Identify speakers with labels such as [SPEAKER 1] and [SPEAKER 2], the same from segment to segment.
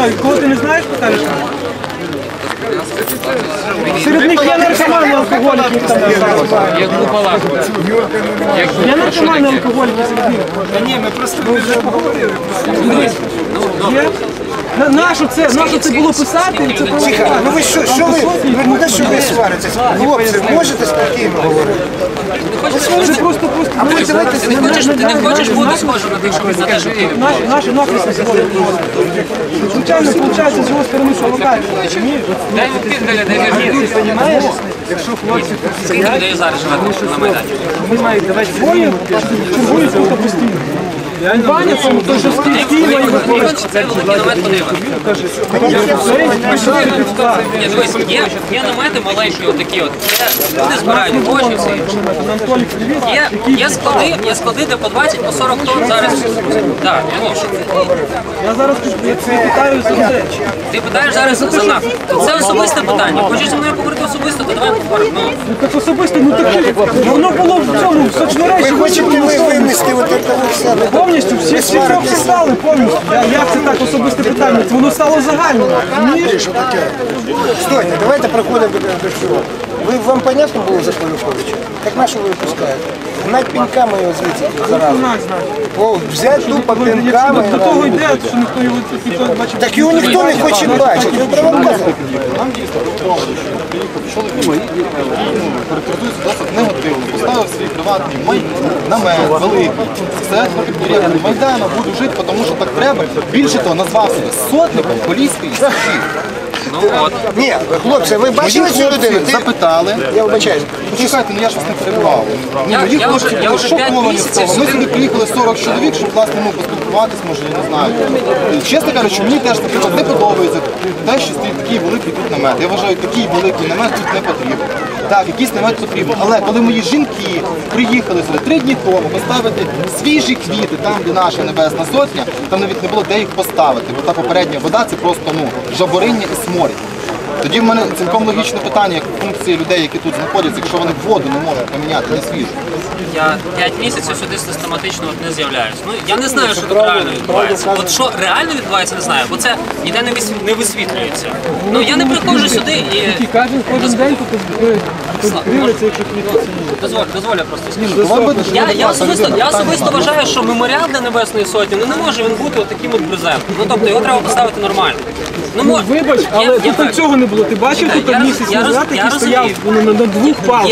[SPEAKER 1] знають. Кого ти не знаєш, покажеш? Серед них є наркомани, алкоголіки.
[SPEAKER 2] Як бухала.
[SPEAKER 1] Є наркомани, алкоголіки серед них.
[SPEAKER 3] Та ні, ми просто вже поговорили.
[SPEAKER 1] Є? Нащо це було писати? І це
[SPEAKER 4] Тихо, ну ви що ви, не те, що ви сваритесь. Хлопці, можете спокійно говорити?
[SPEAKER 1] це просто...
[SPEAKER 2] Ти не хочеш бути схожим на тих, що ви знаєш.
[SPEAKER 1] Наші нахресні сьогодні. Звичайно, виходить з його сторони, що локально.
[SPEAKER 2] Дай відкрити, дай відкрити.
[SPEAKER 1] Якщо хлопці
[SPEAKER 2] Скільки людей зараз живе на Майдані?
[SPEAKER 1] ви маєте давати двоє, чергують тут постійно. Ваня, то що Києва і виходить.
[SPEAKER 2] Це великий намет подива. Ні, дивись, є намети маленькі, отакі от. Люди збирають гроші, все інше. Є склади, де по 20, по 40 тонн зараз. Так,
[SPEAKER 1] Я зараз питаю за це.
[SPEAKER 2] ти питаєш зараз за нас. Це особисте питання. Хочеш зі мною поговорити особисто, то давай поговоримо.
[SPEAKER 1] Ну так особисто, ну таке. Воно було в цьому, в соцмережі.
[SPEAKER 4] Ви хочете винести от этого в себе?
[SPEAKER 1] Повністю, всі це обсуждали повністю. Як це так особисте питання? Воно стало загальним.
[SPEAKER 4] Стойте, давайте проходимо до всього. Вам понятно було за Полюховича? Так на що ви випускаєте? Гнать пінками його звідси заразу. Взяти тупо пінками.
[SPEAKER 1] До того йде, що ніхто його ніхто бачив.
[SPEAKER 4] Так його ніхто не хоче бачити. Ви провокатор.
[SPEAKER 5] Характеризується досить негативно, поставив свій приватний намет великий. Це підприємство Майдану, буду жити, тому що так треба. Більше того, назвав себе сотником Поліської січі.
[SPEAKER 2] Ну от.
[SPEAKER 4] Ні, хлопці, ви бачили цю людину?
[SPEAKER 5] Запитали.
[SPEAKER 4] Я вибачаюсь.
[SPEAKER 5] Почекайте, ну я ж вас не перебував.
[SPEAKER 2] Я вже 5 місяців
[SPEAKER 5] Ми сюди приїхали 40 чоловік, щоб власне поспілкуватись, може, я не знаю. Чесно кажучи, мені теж, наприклад, не подобається те, що стоїть такий великий тут намет. Я вважаю, такий великий намет тут не потрібен. Так, якийсь намет потрібен. Але коли мої жінки приїхали сюди 3 дні тому поставити свіжі квіти, там, де наша Небесна Сотня, там навіть не було де їх поставити, бо та попередня вода це просто жабориння і сморід. Тоді в мене цілком логічне питання, як функції людей, які тут знаходяться, якщо вони воду не можуть поміняти на свіжу.
[SPEAKER 2] Я 5 місяців сюди систематично не з'являюсь. Ну, я не знаю, що тут реально відбувається. От що реально відбувається, не знаю, бо це ніде не висвітлюється. Ну, я не приходжу сюди і...
[SPEAKER 1] Кожен день тут дивиться, якщо
[SPEAKER 2] Дозволь, я просто скажу. Я особисто вважаю, що меморіал для Небесної Сотні, ну не може він бути отаким от брезентом. Ну, тобто його треба поставити нормально.
[SPEAKER 1] Вибач, але тут цього не було. Ти бачив тут місяць назад, який стояв на двох палках?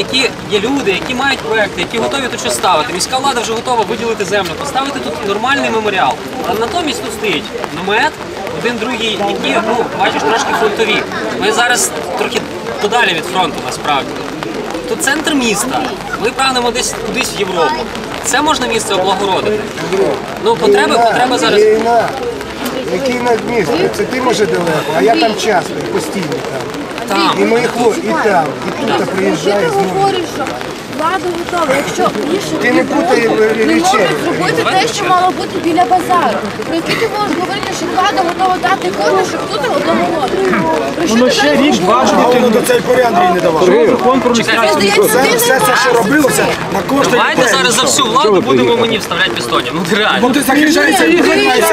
[SPEAKER 2] Є люди, які мають проекти, які готові тут щось ставити. Міська влада вже готова виділити землю, поставити тут нормальний меморіал. А натомість тут стоїть намет, один другий, які, ну, бачиш, трошки фронтові. Ми зараз трохи подалі від фронту, насправді. Тут центр міста. Ми прагнемо десь кудись в Європу. Це можна місце облагородити. Ну, потреба зараз...
[SPEAKER 4] Який над містом? Це ти може далеко, а я там часто, постійно там. І мої хлопці, і там, і тут приїжджаю
[SPEAKER 6] Ти
[SPEAKER 4] знову.
[SPEAKER 6] говориш, що влада готова, якщо більше
[SPEAKER 4] Ти не путай
[SPEAKER 6] не
[SPEAKER 4] речей.
[SPEAKER 6] можуть зробити те, що мало бути біля базару. Про які ти можеш говорити, що влада готова дати кошти, щоб тут облагородити?
[SPEAKER 1] Воно ще річ, два роки.
[SPEAKER 4] До цей поряд Андрій не давав.
[SPEAKER 1] Закон про місцеві.
[SPEAKER 4] Все це, що робилося, на кошти.
[SPEAKER 2] Давайте зараз за всю владу будемо мені вставляти пістонів. Ну, реально.
[SPEAKER 4] Ти захищаєшся і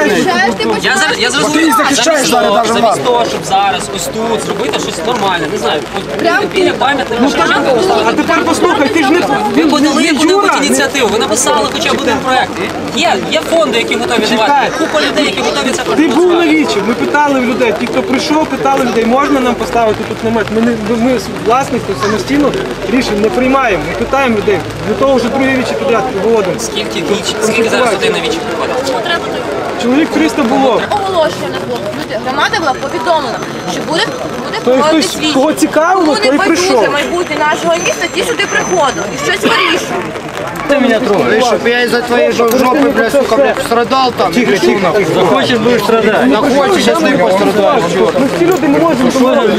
[SPEAKER 2] Я зрозумів, замість того, щоб зараз ось тут зробити щось нормальне, не знаю, біля пам'ятника Шевченка
[SPEAKER 1] А
[SPEAKER 2] поставити.
[SPEAKER 1] тепер послухай, ти ж не
[SPEAKER 2] Ви подали яку-небудь ініціативу, ви написали хоча б один проєкт. Є фонди, які готові давати, купа людей, які готові це
[SPEAKER 1] Ти був на
[SPEAKER 2] профінансувати.
[SPEAKER 1] вічі, ми питали в людей, ті, хто прийшов, питали людей, можна нам поставити тут намет. Ми власників самостійно рішень не приймаємо, ми питаємо людей. Для того вже друге вічі підряд виводимо.
[SPEAKER 2] Скільки зараз людей на вічі приходить?
[SPEAKER 6] Що треба то
[SPEAKER 1] Чоловік 300 було.
[SPEAKER 6] оголошення не було. Громада була повідомлена, що буде проводити свідчення.
[SPEAKER 1] Кого цікавило, той і прийшов.
[SPEAKER 6] Майбутнє нашого міста, ті сюди приходили і щось вирішують.
[SPEAKER 1] Ти мене трогаєш.
[SPEAKER 7] Чтобы я из-за твоей жопы, блядь, сука, блядь, страдал там.
[SPEAKER 1] Тихо.
[SPEAKER 7] Хочешь, будешь страдать. Хочешь, сейчас ты пострадаешь.
[SPEAKER 1] Ми всі люди не можемо.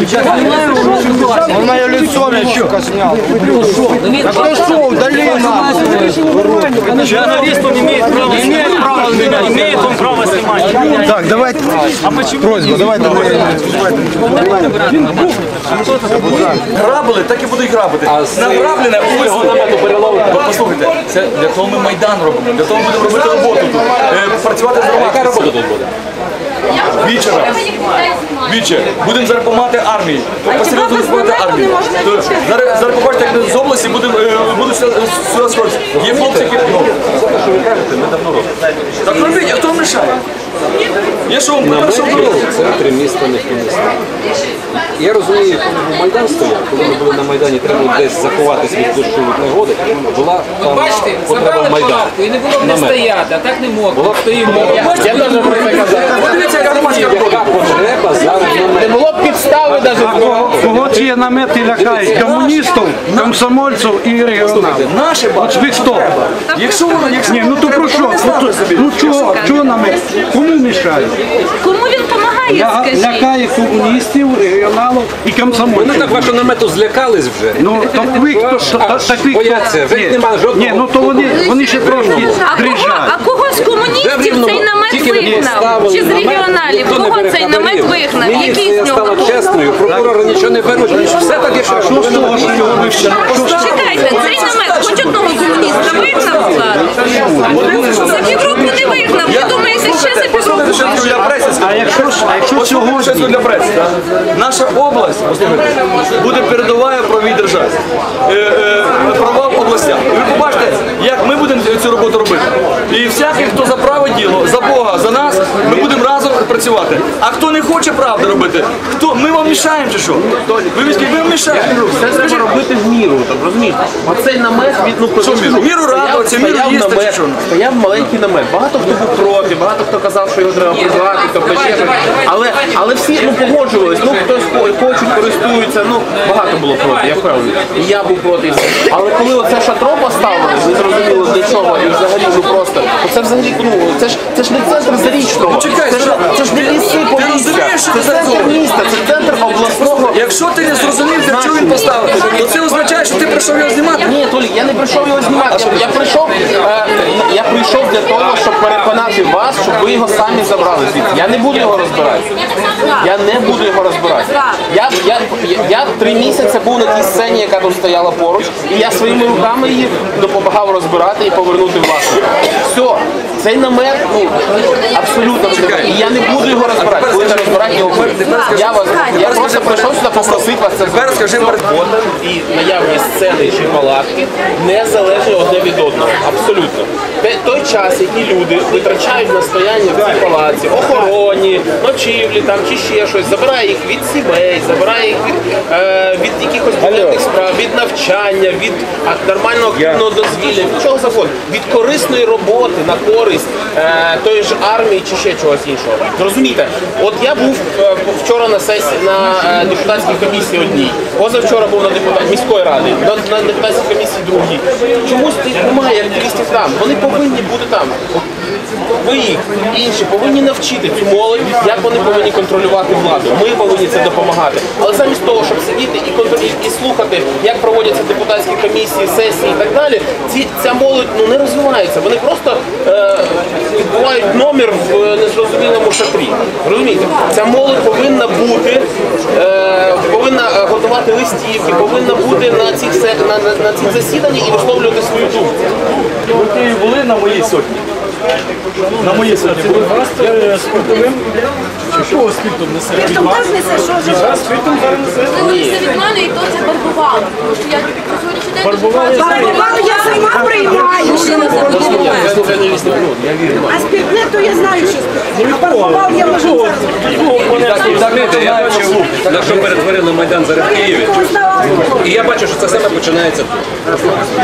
[SPEAKER 7] Он мое лицо, блядь, сука, снял. Да кто шо, удали нахуй.
[SPEAKER 1] Журналист, он имеет право меня, имеет он право снимать.
[SPEAKER 4] Так, давайте. Просьба, давайте.
[SPEAKER 8] Грабили, так і будуть грабити. Награблене у його намету переловити. Послухайте, це для того ми Майдан робимо, для того будемо робити роботу тут. Працювати з громадою. Яка робота тут буде? Віче, будемо зараз допомагати армії. Посередину допомагати армії. Зараз побачите, як з області будуть сюди сходити. Є хлопці, які... Це, що ви кажете, ми давно робимо. Так робіть, а хто вам мішає? Я що вам покажу, що робити?
[SPEAKER 9] В центрі міста ніхто не стоїть. Я розумію, коли був Майдан стояв, коли ми були на Майдані, треба було десь заховатись від дощу від негоди, була там
[SPEAKER 2] Бачите,
[SPEAKER 9] потреба
[SPEAKER 2] забрали
[SPEAKER 9] Майдану.
[SPEAKER 2] палатку і не було б не стояти, а так не можна. Стоїмо.
[SPEAKER 8] Бачите, подивіться, яка громадська робота.
[SPEAKER 9] Потреба зараз
[SPEAKER 7] Не було б підстави навіть.
[SPEAKER 10] Кого ці намети лякають? Комуністів, комсомольців і регіоналів.
[SPEAKER 8] Наші бачите.
[SPEAKER 10] Ви хто?
[SPEAKER 8] Якщо воно, якщо
[SPEAKER 10] Ні, ну то про що? Ну чого намет? Кому мішає?
[SPEAKER 6] Кому він допомагає, скажіть?
[SPEAKER 10] Лякає комуністів, регіоналів і
[SPEAKER 9] Вони
[SPEAKER 10] комсомольців.
[SPEAKER 9] так вашого намету злякались вже.
[SPEAKER 10] Ну, так ви хто? Так ви
[SPEAKER 9] Бояться, вже
[SPEAKER 10] Ні.
[SPEAKER 9] нема жодного.
[SPEAKER 10] Ні, ну то вони ще трошки дрижать.
[SPEAKER 6] А кого з комуністів цей намет вигнав? Чи з регіоналів? Кого цей намет вигнав? Який
[SPEAKER 9] Міліція
[SPEAKER 6] з нього?
[SPEAKER 9] стала чесною, прокурори нічого не беруть. Все так, як
[SPEAKER 10] Що з того, що його вивчили?
[SPEAKER 6] Чекайте, цей намет хоч одного комуніста вигнав владу? За півроку не вигнав. Ви думаєте, ще за півроку вигнав?
[SPEAKER 10] А якщо сьогодні?
[SPEAKER 8] для преси, так? Наша область, послухайте, буде передовою в правовій державі. Права в областях. І ви побачите, як ми будемо цю роботу робити. І всякий, хто за праве діло, за Бога, за нас, ми будемо разом працювати. А хто не хоче правди робити, ми вам мішаємо чи що? Ви вам мішаєте.
[SPEAKER 7] Це треба робити в міру, там, розумієш? Оцей намет,
[SPEAKER 8] Що в міру? Міру радуватися, міру їсти чи що?
[SPEAKER 7] Стояв маленький намет. Багато хто був проти, багато хто казав, що його треба прибрати, тобто ще щось. Але всі погоджувались, хтось хочуть, користуються, багато було проти, я впевнений. І я був проти. Але коли оце шатро поставили, ви зрозуміли для чого, і взагалі просто, це взагалі, це ж не центр Зарічного, це ж не ліси Полісся, це центр міста, це центр обласного.
[SPEAKER 8] Якщо ти не зрозумів, для чого він поставив, то це означає, що ти прийшов його знімати.
[SPEAKER 7] Ні, Толік, я не прийшов його знімати. Я прийшов для того, щоб переконати вас, щоб ви його самі забрали звідси. Я не буду його розбирати. Я не буду його розбирати. Я 3 місяці був на тій сцені, яка тут стояла поруч, і я своїми руками її допомагав розбирати і повернути власнику. Все, цей намет, абсолютно розбирати. І я не буду його розбирати. Будете розбирати його. Я просто прийшов сюди попросити вас це
[SPEAKER 8] Тепер скажи
[SPEAKER 7] і наявність сцени чи палатки не залежить одне від одного. Абсолютно. Той час, який люди витрачають на стояння в цій палаці, охороні, ночівлі там чи ще щось, забирає їх від сімей, забирає їх від якихось буденних справ, від навчання, від нормального активного дозвілля, від чого завгодно, від корисної роботи на користь тої ж армії чи ще чогось іншого. Зрозумійте, от я був вчора на сесії на депутатській комісії одній, позавчора був на міської ради, на депутатській комісії другій. Чомусь немає активістів там. Вони повинні бути там. Ви їх, інші, повинні навчити цю молодь, як вони повинні контролювати владу. Ми повинні це допомагати. Але замість того, щоб сидіти і слухати, як проводяться депутатські комісії, сесії і так далі, ця молодь не розвивається. Вони просто відбувають номер в незрозумілому шатрі. Розумієте? Ця молодь повинна бути, повинна готувати листівки, повинна бути на цих засіданнях і висловлювати свою думку.
[SPEAKER 8] Ви були на моїй сотні? На моїй сотні були.
[SPEAKER 1] Спиртовим? Чого спиртом несе?
[SPEAKER 6] Спиртом теж несе, що ж?
[SPEAKER 1] Спиртом зараз несе.
[SPEAKER 6] Це від мене і то це барбувало. Тому що я на сьогоднішній день
[SPEAKER 11] Барбувало я сама приймаю. А спиртне, то я знаю, що спиртне. А барбувал я можу зараз.
[SPEAKER 9] Я бачив, на що перетворили Майдан зараз в Києві. І я бачу, що це саме починається тут.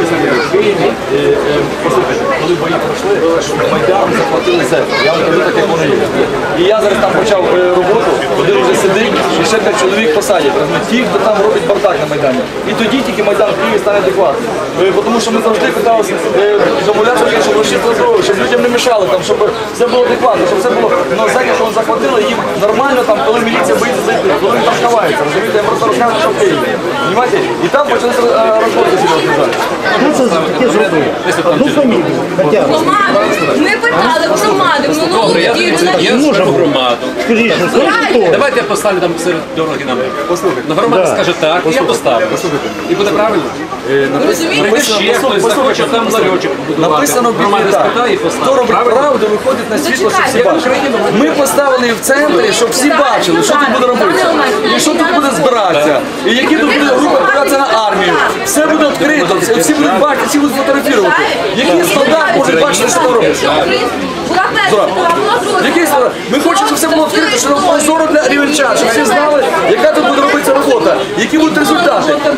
[SPEAKER 8] Коли бої пройшли, Майдан захватили землю. Я вам кажу так, як воно є. І я зараз там почав роботу, один вже сидить, і ще 5 чоловік посадять. Ті, хто там робить бардак на Майдані. І тоді тільки Майдан в Києві стане адекватним. Тому що ми завжди питалися домовлятися, щоб розчистили дорогу, щоб людям не мішали, там, щоб все було адекватно, щоб все було. Ну, зеки, що захватили, їм нормально, там, коли міліція боїться зайти, коли вони там ховаються. Розумієте, я просто розказую, що в Києві. Понимаєте? І там почалися розборки серйозні зараз.
[SPEAKER 10] Хто це таке зробив? Одну фамілію.
[SPEAKER 6] громаду. Ми питали в громади минулого
[SPEAKER 9] Я скажу громаду.
[SPEAKER 10] Скажіть, що це?
[SPEAKER 9] Давайте я поставлю там серед дороги намет. Послухайте. Громада скаже так, і я поставлю. І буде правильно?
[SPEAKER 8] Написано в Біблії так, хто робить правду, виходить на світло, щоб всі бачили. Ми поставили в центрі, щоб всі бачили, що тут буде робитися, і що тут буде збиратися, і які тут буде група відправлятися на армію. Все буде відкрито, всі будуть бачити, всі будуть фотографувати. Який солдат може бачити, що робиться? Який солдат? Ми хочемо, щоб все було відкрито, щоб було прозоро для рівенчан, щоб всі знали, яка тут буде робитися робота, які будуть результати.